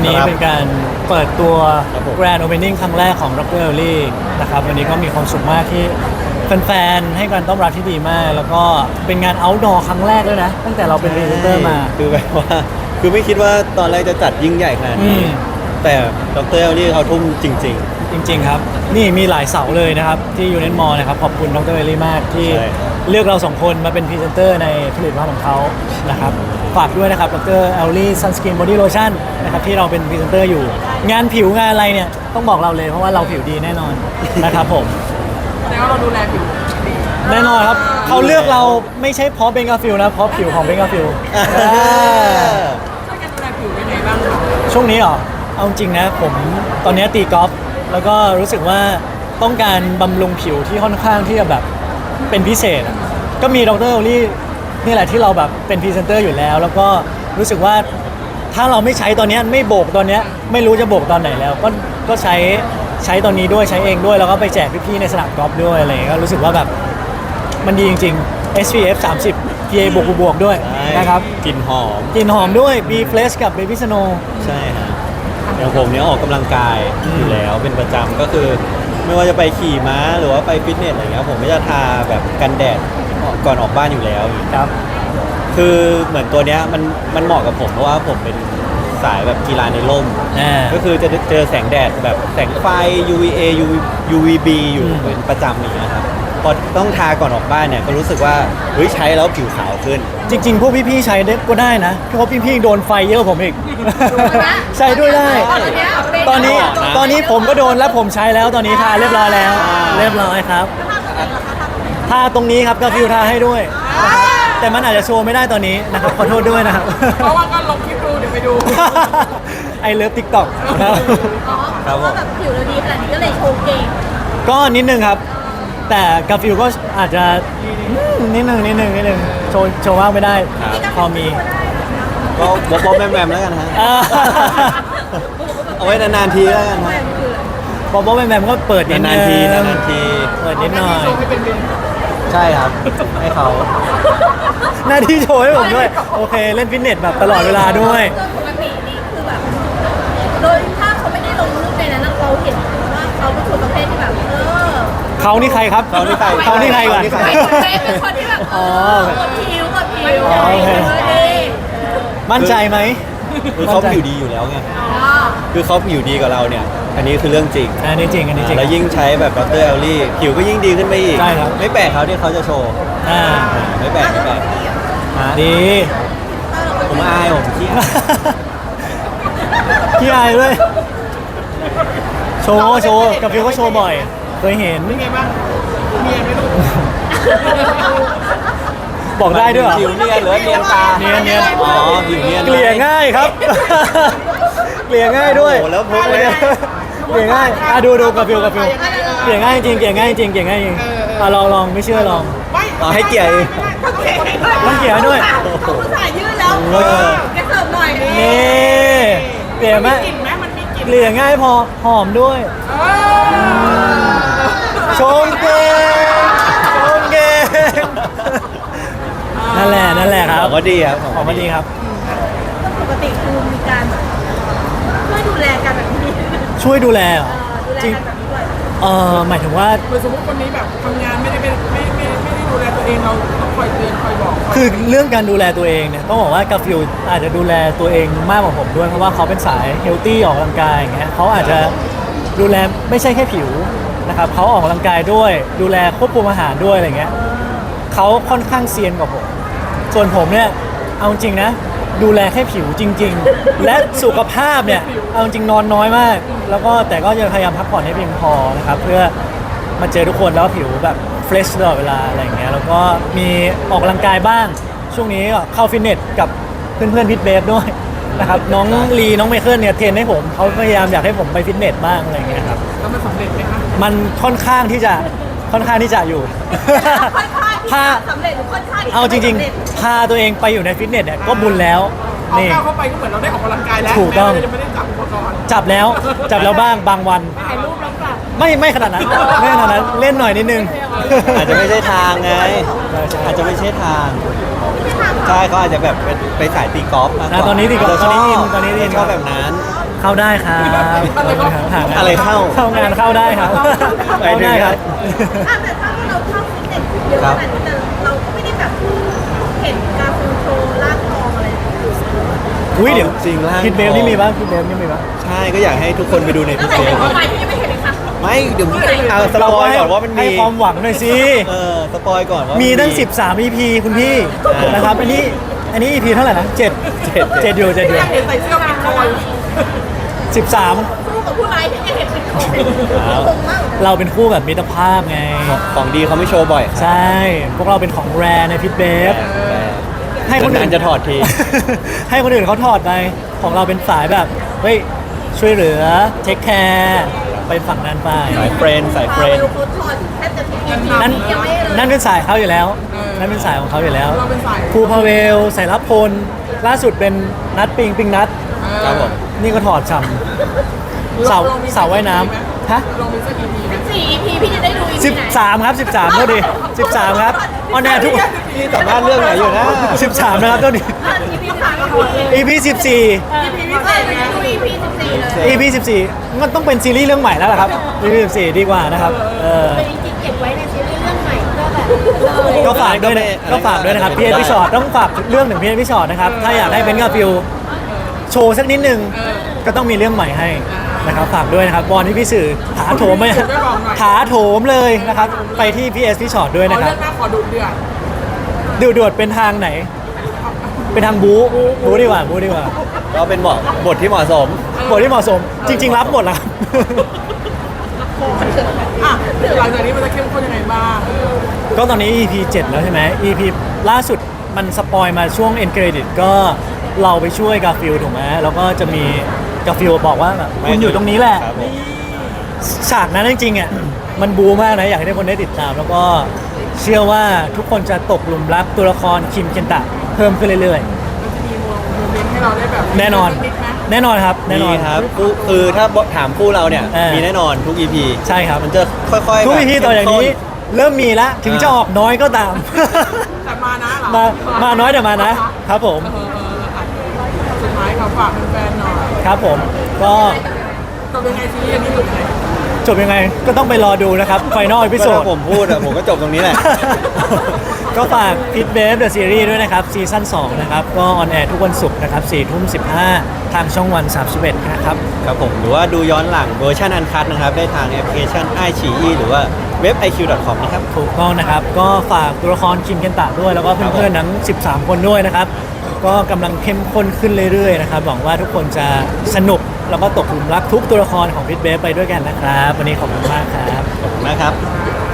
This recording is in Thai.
นี้เป็นการเปิดตัว Grand Opening ครั้งแรกของ Dr. Ellie นะครับวันนี้ก็มีความสุขมากที่แฟนๆให้การต้อนรับที่ดีมาก แล้วก็เป็นงาน outdoor ครั้งแรกด้วยนะ ตั้งแต่เราเป็นพรีเซนเตอร์มาคือแบบว่าคือไม่คิดว่าตอนแรกจะจัดยิ่งใหญ่ขนาดนี้แต่ดรเอลลี่เขาทุ่มจริงจริงๆครับ นี่มีหลายเสาเลยนะครับ ที่ยูเน m มอลนะครับขอบคุณดรเอลลี่มากที่เลือกเราสองคนมาเป็นพรีเซนเตอร์ในผลิตภัณฑ์ของเขานะครับฝากด้วยนะครับดรเอลลี่ซันสกินบอดี้โลชั่นนะครับที่เราเป็นพรีเซนเตอร์อยู่ งานผิวงานอะไรเนี่ยต้องบอกเราเลยเพราะว่าเราผิวดีแน่นอนนะครับผมแต่ว่าเราดูแลผิวดีแน่นอนครับเขาเลือกเราไม่ใช่เพราะเบงกาฟิลนะเพราะผิวของเบงกาฟิลช่วยกันดูแลผิวยังไงบ้างคะช่วงนี้เหรอเอาจริงนะผมตอนนี้ตีกอล์ฟแล้วก็รู้สึกว่าต้องการบำรุงผิวที่ค่อนข้างที่จะแบบเป็นพิเศษอะก็มีดรโอลี่นี่แหละที่เราแบบเป็นพรีเซนเตอร์อยู่แล้ว แล้วก็รู้สึกว่าถ้าเราไม่ใช้ตอนนี้ไม่โบกตอนนี้ไม่รู้จะโบกตอนไหนแล้ว ก็ใช้ตอนนี้ด้วยใช้เองด้วยแล้วก็ไปแจกพี่ๆในสนามกอล์ฟด้วยอะไรอย่างเงี้ยก็รู้สึกว่าแบบมันดีจริงๆ SPF 30 PA บวกด้วยๆใช่นะครับกลิ่นหอมกลิ่นหอมด้วย B Fresh กับ Baby Snow ใช่ฮะอย่างผมเนี่ยออกกำลังกายอยู่แล้วเป็นประจำก็คือ ไม่ว่าจะไปขี่ม้าหรือว่าไปฟิตเนสอะไรเงี้ยผมก็จะทาแบบกันแดดก่อนออกบ้านอยู่แล้วครับคือเหมือนตัวเนี้ยมันเหมาะกับผมเพราะว่าผมเป็นสายแบบกีฬาในร่ม ก็คือจะเจอแสงแดดแบบแสงไฟ UVA UVB อยู่เป็นประจำอย่างเงี้ยครับพอต้องทาก่อนออกบ้านเนี่ยก็รู้สึกว่าเฮ้ยใช้แล้วผิวขาวขึ้นจริงๆ พวกพี่ๆ ใช้ได้ก็ได้นะเพราะพี่ๆ โดนไฟเยอะกว่าผมอีก ใช้ด้วยได้ ตอนนี้ผมก็โดนแล้วผมใช้แล้วตอนนี้ทาเรียบร้อยแล้ว เรียบร้อยครับทาตรงนี้ครับก็ฟิวทาให้ด้วยนะครับแต่มันอาจจะโชว์ไม่ได้ตอนนี้นะครับขอโทษด้วยนะครับเพราะว่าก็ลงคลิปดูเดี๋ยวไปดูไอเลิฟติ๊กต็อกนะครับครับผมเพราะว่าแบบผิวเราดีขนาดนี้ก็เลยโชว์เก่งก็นิดนึงครับ แต่กาฟิวก็อาจจะนิดนึงโชว์มากไม่ได้ พอมีก็บ๊อบๆแมมๆแล้วกันฮะ เอาไว้นานๆทีแล้วกันฮะบอบแบมก็เปิดนิดนึนาง นๆทีนานๆทีเปิดนิดหน่อยโชว์ให้เป็นเดือนใช่ครับ ให้เขาหน้าที่โชว์ให้ผมด้วย โอเค เล่นฟิตเนสแบบตลอดเวลาด้วยโดยปกตินี่คือแบบ โดยถ้าเขาไม่ได้ลงรูปในนั้นเราเห็นว่าเขาเป็นคนประเภทที่แบบเขานี่ใครครับเขานี่ใครเขานี่ใครก่อนเขานี่ใครเป็นคนที่แบบกดผิวอ๋อโอเคดีมั่นใจไหมคือเขาผิวดีอยู่แล้วไง คือเขาผิวดีกว่าเราเนี่ย อันนี้คือเรื่องจริงอันนี้จริง อันนี้จริงแล้วยิ่งใช้แบบดรเอลลี่ผิวก็ยิ่งดีขึ้นไปอีกใช่ครับไม่แปลกเขาที่เขาจะโชว์อ่าไม่แปลกฮะดีผมอายผมขี้อายขี้อายด้วย โชว์กับฟิวก็โชว์บ่อย เคยเห็นเป็นไงบ้างเมียไหมลูกบอกได้ด้วยเหรอผิวเนียนหรือว่าเนียนตาเนียนอ๋อผิวเนียนเกลี่ยง่ายครับ เกลี่ยง่ายด้วยโอ้โหแล้วพกเลยเกลี่ยง่ายดูกับฟิวเกลี่ยง่ายจริงลองไม่เชื่อลองไม่อ๋อให้เกียรติต้องเกลี่ยด้วยเขาผู้ชายยืดแล้วแกเสิร์ฟหน่อยนี่เกลี่ยไหมกลิ่นไหมมันมีกลิ่นเกลี่ยง่ายพอหอมด้วย ชมเก่งนั่นแหละครับของก็ดีครับของมันดีครับปกติคือมีการช่วยดูแลกันแบบนี้ช่วยดูแลเหรอดูแลจริงกันแบบนี้ด้วยหมายถึงว่าเหมือนสมมติคนนี้แบบทำงานไม่ได้ดูแลตัวเองเราต้องคอยเตือนคอยบอกคือเรื่องการดูแลตัวเองเนี่ยต้องบอกว่ากาฟิลอาจจะดูแลตัวเองมากกว่าผมด้วยเพราะว่าเขาเป็นสายเฮลตี้ออกกำลังกายอย่างเงี้ยเขาอาจจะดูแลไม่ใช่แค่ผิวนะครับเขาออกกำลังกายด้วย ดูแลควบคุมอาหารด้วยอะไรเงี้ยเขาค่อนข้างเซียนกว่าผมส่วนผมเนี่ยเอาจริงนะดูแลแค่ผิวจริง ๆ และสุขภาพเนี่ยเอาจริงนอนน้อยมาก แล้วก็แต่ก็จะพยายามพักผ่อนให้เพียงพอนะครับเพื่อมาเจอทุกคนแล้วผิวแบบเฟรชตลอดเวลาอะไรอย่างเงี้ยแล้วก็มีออกกำลังกายบ้าง ช่วงนี้ก็เข้าฟิตเนสกับเพื่อนๆพิทเบฟด้วยนะครับน้องลีน้องไมเคิลเนี่ยเทรนให้ผมเขาพยายามอยากให้ผมไปฟิตเนสบ้างอะไรอย่างเงี้ยครับแล้วมันสำเร็จไหมคะมันค่อนข้างที่จะอยู่ค่อนข้างที่จะสำเร็จหรือค่อนข้างที่ะเอาจริงไม่สำเร็จๆ พาตัวเองไปอยู่ในฟิตเนสเนี่ยก็บุญแล้วเอานี่ก้าวเข้าไปก็เหมือนเราได้ออกกำลังกายแล้วถูกต้องแม้เราจะไม่ได้จับอุปกรณ์จับแล้วบ้างบางวันถ่ายรูปแล้วกลับไม่ขนาดนั้นไม่ขนาดนั้นเล่นหน่อยนิดนึงอาจจะไม่ใช่ทางไง อาจจะไม่ใช่ทาง ใช่เขาอาจจะแบบไปสายตีกอล์ฟมากกว่าตอนนี้ตีกอล์ฟตอนนี้อินชอบแบบนั้นเข้าได้ครับหางานอะไรเข้าเข้างานเข้าได้ครับเข้าได้ครับอ่ะแต่ถ้าเราเข้าฟิตเนสเยอะขนาดนี้แต่เราก็ไม่ได้แบบเห็นการฟิลโชว์ร่างทองอะไรอุ้ยเดี๋ยวจริงร่างคิดเบลทองนี่มีปะคิดเบลนี่มีปะใช่ก็อยากให้ทุกคนไปดูในตั้พิงแต่เศษเข้าไปที่ยังไม่เห็นเลยค่ะไม่เดี๋ยวเอาสปอยก่อนว่ามันให้มีความหวังหน่อยสิสปอยก่อนว่ามีมีตั้ง 13 EP คุณพี่นะครับ อันนี้ EP เท่าไหร่นะ7อยู่อยากเห็นใส่เสื้อเป็นคอย 13 สู้กับผู้ร้ายที่ยังเห็นเป็นของคงมากเราเป็นคู่แบบมิตรภาพไงของดีเขาไม่โชว์บ่อยครับใช่ พวกเราเป็นของแรในพิทเบฟ ให้คนอื่นานๆจะถอดทีให้คนอื่นเขาถอดไป ของเราเป็นสายแบบ เฮ้ย ช่วยเหลือ เทคแคร์ ไปฝั่งนั้นไปสายเฟรนด์สายเฟพารนเวด์ลโค้ดทอดแทบจะทุก EP นั่นยังไม่เลยนั่นเป็นสายเขาอยู่แล้ว นั่นเป็นสายของเขาอยู่แล้วเราเป็นสายครูพาเวลสายรับพล ล่าสุดเป็นนัดปิงนัดครับผมนี่ก็ถอดฉ่ำเสาว่ายน้ำฮะลองมีสัก EP ไหม 4 EP พี่จะได้ดู EP ไหน 13 ครับ 13เท่าดี13 ครับออนแอร์ทุกนี่สัมภาษณ์เรื่องไหนอยู่นะ 13 นะครับเท่าดี EP 13ก็พอเลย EP 14 EP พิเศษเลยดู EP 14เลย EP 14มันต้องเป็นซีรีส์เรื่องใหม่แล้วล่ะครับ EP 14 ดีกว่านะครับเป็นจริงๆเก็บไว้ในซีรีส์เรื่องใหม่ก็แบบเลยก็ฝากด้วยนะก็ฝากด้วยนะครับพี่เอ็นพี่ชอตต้องฝากเรื่องถึงพี่เอ็นพี่ชอตนะครับ ถ้าอยากให้เป็นกับฟิวโชว์สักนิดนึง ก็ต้องมีเรื่องใหม่ให้นะครับฝากด้วยนะครับบอลที่พี่สื่อถาโถมไหมถาโถมเลยนะครับ ไปที่พี่เอสพี่ชอตด้วยเอานะครัเรื่บองหน้าขอดูเดือดดูดวดเป็นทางไหน เป็นทางบูดีกว่าบูดีกว่าก็เป็นบทที่เหมาะสมบทที่เหมาะสม จริง ๆ รับหมดแล้วครับอ่ะหลังจากนี้มันจะเข้มข้นยังไงบ้างก็ตอนนี้ EP 7 แล้วใช่ไหม EP ล่าสุดมันสปอยมาช่วง end credit ก็เราไปช่วยกาฟิลถูกไหมแล้วก็จะมีกาฟิลบอกว่าแบบคุณอยู่ตรงนี้แหละครับผมฉากนั้นจริงๆอ่ะมันบูมากนะ อยากให้ทุกคนได้ติดตาม แล้วก็เชื่อว่าทุกคนจะตกหลุมรักตัวละครคิมเคนตะเพิ่มขึ้นเรื่อยมันจะมีโมเมนต์ให้เราได้แบบๆ แน่นอนนิดไหมแน่นอนครับ แน่นอนมีครับคือถ้าถามคู่เราเนี่ยมีมีแน่นอนทุก EP ใช่ครับมันจะค่อยๆทุกแบบ EP ต่ออย่างนี้ เริ่มมีแล้วถึงจะออกน้อยก็ตามแต่มานะเหรอมาน้อยแต่มานะ ครับผมอ่ะสุดท้ายขอฝากแฟนๆหน่อยครับผม ก็จบยังไงซีรีส์อันนี้จบยังไงจบยังไงก็ต้องไปรอดูนะครับ ไฟนอลอีพิโซก็ดถ้าผมพูดอะผมก็จบตรงนี้แหละก็ฝากพิทเบฟเดอะซีรีส์ด้วยนะครับ ซีซั่น2นะครับ ก็ออนแอร์ทุกวันศุกร์นะครับ4:15 ทางช่องวัน 31 นะครับครับผมหรือว่าดูย้อนหลังเวอร์ชันอันคัดนะครับ ได้ทางแอปพลิเคชัน iQIYI หรือว่าเว็บ iq.com นะครับถูกต้องนะครับ ก็ฝากตัวละครคิมเคนตะด้วย แล้วก็เพื่อนๆทั้ง 13 คนด้วยนะครับ ก็กำลังเข้มข้นขึ้นเรื่อยๆนะครับ หวังว่าทุกคนจะสนุก แล้วก็ตกหลุมรักทุกตัวละครของพิทเบฟไปด้วยกันนะครับ วันนี้ขอบคุณมากครับขอบคุณมากครับ